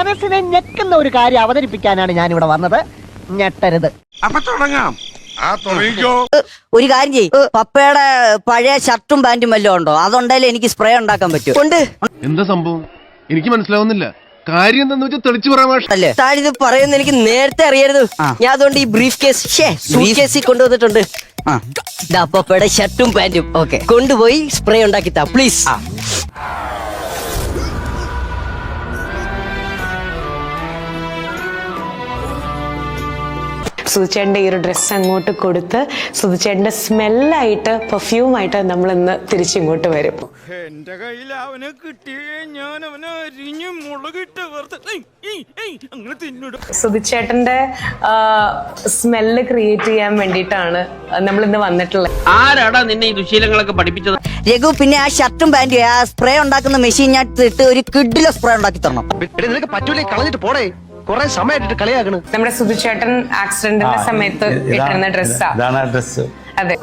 മനസ്സിനെ ഞെക്കുന്ന ഒരു കാര്യം അവതരിപ്പിക്കാനാണ് ഞാൻ ഇവിടെ വന്നത്. ഞെട്ടരുത്. അപ്പൊ തുടങ്ങാം. ഒരു കാര്യം ചെയ്യ്, പപ്പയുടെ പഴയ ഷർട്ടും പാന്റും വല്ലതും ഉണ്ടോ? അതുണ്ടെങ്കിൽ എനിക്ക് സ്പ്രേ ഉണ്ടാക്കാൻ പറ്റും. ഉണ്ട്. എന്താ സംഭവം എനിക്ക് മനസ്സിലാവുന്നില്ല. കാര്യം എന്താന്ന് വെച്ചാൽ തെളിച്ചു പറയാൻ താനിത് പറയുന്ന എനിക്ക് നേരത്തെ അറിയരുത്. ഞാൻ അതുകൊണ്ട് ഈ ബ്രീഫ് കേസിൽ കൊണ്ടുവന്നിട്ടുണ്ട്. പപ്പയുടെ ഷർട്ടും പാന്റും ഓക്കെ കൊണ്ടുപോയി സ്പ്രേ ഉണ്ടാക്കി താ പ്ലീസ്. സുധിച്ചേട്ടൻ്റെ ഈ ഒരു ഡ്രസ്സ് അങ്ങോട്ട് കൊടുത്ത് സുധിച്ചേട്ടൻ്റെ സ്മെല്ലായിട്ട് പെർഫ്യൂമായിട്ട് നമ്മൾ ഇന്ന് തിരിച്ചിങ്ങോട്ട് വരും. എന്റെ കയ്യിൽ അവനെ കിട്ടിയേ ഞാൻ അവനെ അരിഞ്ഞ് മുളകിട്ട് അങ്ങനെ തിന്നിടും. സുധിച്ചേട്ടൻ്റെ സ്മെല്ല് ക്രിയേറ്റ് ചെയ്യാൻ വേണ്ടിയിട്ടാണ് നമ്മൾ ഇന്ന് വന്നിട്ടുള്ളത്. ആരാടാ നിന്നെ ഈ ദുശീലങ്ങളൊക്കെ പഠിപ്പിച്ചത്? രഘു, പിന്നെ ആ ഷർട്ടും പാന്റും ആ സ്പ്രേ ഉണ്ടാക്കുന്ന മെഷീൻ ഞാൻ ഇട്ട് ഒരു കിഡിലെ സ്പ്രേ ഉണ്ടാക്കി തരണം. നിനക്ക് പറ്റൂലേ, കളഞ്ഞിട്ട് പോടേ. കുറെ സമയമായിട്ട് കളിയാക്കണ്. നമ്മുടെ സുധിച്ചേട്ടൻ ആക്സിഡന്റിന്റെ സമയത്ത് ഇട്ടിരുന്ന ഡ്രസ്സാ. അതെ,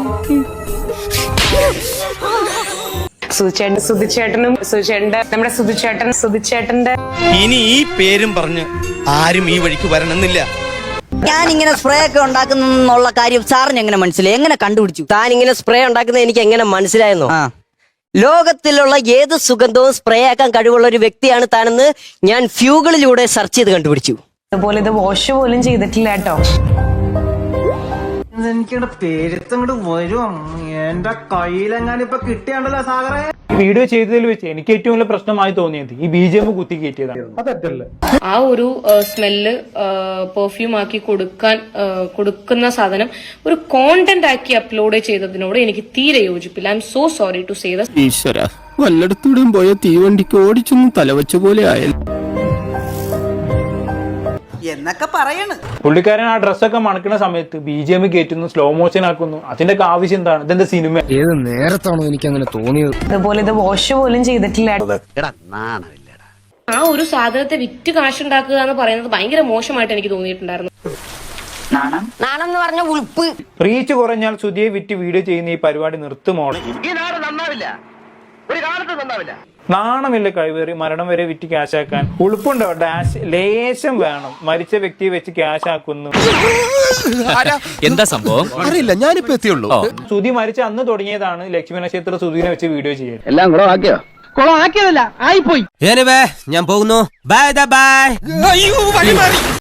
സുധിച്ചേട്ടന്റെ ഇനി ഈ പേരും പറഞ്ഞ് ആരും ഈ വഴിക്ക് വരണമെന്നില്ല. ഞാൻ ഇങ്ങനെ സ്പ്രേ ഒക്കെ ഉണ്ടാക്കുന്ന കാര്യം സാറിന് എങ്ങനെ മനസ്സിലായി? എങ്ങനെ കണ്ടുപിടിച്ചു? താൻ ഇങ്ങനെ സ്പ്രേ ഉണ്ടാക്കുന്നത് എനിക്ക് എങ്ങനെ മനസ്സിലായെന്നോ? ലോകത്തിലുള്ള ഏത് സുഗന്ധവും സ്പ്രേ ആക്കാൻ കഴിവുള്ള ഒരു വ്യക്തിയാണ് താനെന്ന് ഞാൻ ഫ്യൂകളിലൂടെ സെർച്ച് ചെയ്ത് കണ്ടുപിടിച്ചു. അതുപോലെ ഇത് വാഷ് പോലും ചെയ്തിട്ടില്ല കേട്ടോ. എനിക്കിവിടെ പേരുത്തങ്ങോട്ട് വരും. എന്റെ കയ്യിലെങ്ങാനും ഇപ്പൊ കിട്ടിയാണ്ടല്ലോ സാഗറേ. വീഡിയോ ചെയ്തതിൽ വെച്ച് എനിക്ക് ഏറ്റവും വലിയ പ്രശ്നമായി തോന്നിയത് ഈ BGM കുത്തി കയറ്റിയതാണ്. അതല്ലേ ആ ഒരു സ്മെല്ല് പെർഫ്യൂം ആക്കി കൊടുക്കുന്ന സാധനം ഒരു കോണ്ടന്റ് ആക്കി അപ്ലോഡ് ചെയ്തതിനോട് എനിക്ക് തീരെ യോജിപ്പില്ല. I'm so sorry to say that. ഈശ്വര, വല്ലയിടത്തൂടെയും പോയ തീവണ്ടിക്ക് ഓടിച്ചൊന്നും തലവച്ച പോലെ ആയല്ലോ എന്നൊക്കെ പറയണ്. പുള്ളിക്കാരൻ ആ ഡ്രസ്സൊക്കെ മണക്കുന്ന സമയത്ത് BGM കയറ്റുന്നു, സ്ലോ മോഷൻ ആക്കുന്നു. അതിന്റെ ആവശ്യം എന്താണ്? ഇതെന്താ സിനിമ? ഏത് നേരത്താണോ എനിക്ക് അങ്ങനെ തോന്നിയത്? അതുപോലെ ഇത് വാഷ് പോലും ചെയ്തിട്ടില്ല. ആ ഒരു സാധനത്തെ വിറ്റ് കാശുണ്ടാക്കുക എന്ന് പറയുന്നത് ഭയങ്കര മോശമായിട്ട് എനിക്ക് തോന്നിയിട്ടുണ്ടായിരുന്നു. നാണം എന്ന് പറഞ്ഞ ഉൾപ്പ്. റീച്ച് കുറഞ്ഞാൽ സുധിയെ വിറ്റ് വീഡിയോ ചെയ്യുന്ന ഈ പരിപാടി നിർത്തുമോളെ. ഈ നാട് നന്നാവില്ല, ഒരു കാലത്ത് നന്നാവില്ല. നാണമില്ല കഴിവേറി മരണം വരെ വിറ്റ് ക്യാഷാക്കാൻ. ഉളുപ്പുണ്ടോ? ഡാഷ് ലേശം വേണം. മരിച്ച വ്യക്തിയെ വെച്ച് ക്യാഷ് ആക്കുന്നു. എന്താ സംഭവം അറിയില്ല, ഞാനിപ്പോ എത്തിയുള്ളൂ. സുധി മരിച്ച അന്ന് തുടങ്ങിയതാണ് ലക്ഷ്മി നക്ഷത്ര സുധീനെ വെച്ച് വീഡിയോ ചെയ്യാൻ. എല്ലാം ആക്കിയതല്ല, ആയിപ്പോയി. ഞാൻ പോകുന്നു. Bye by.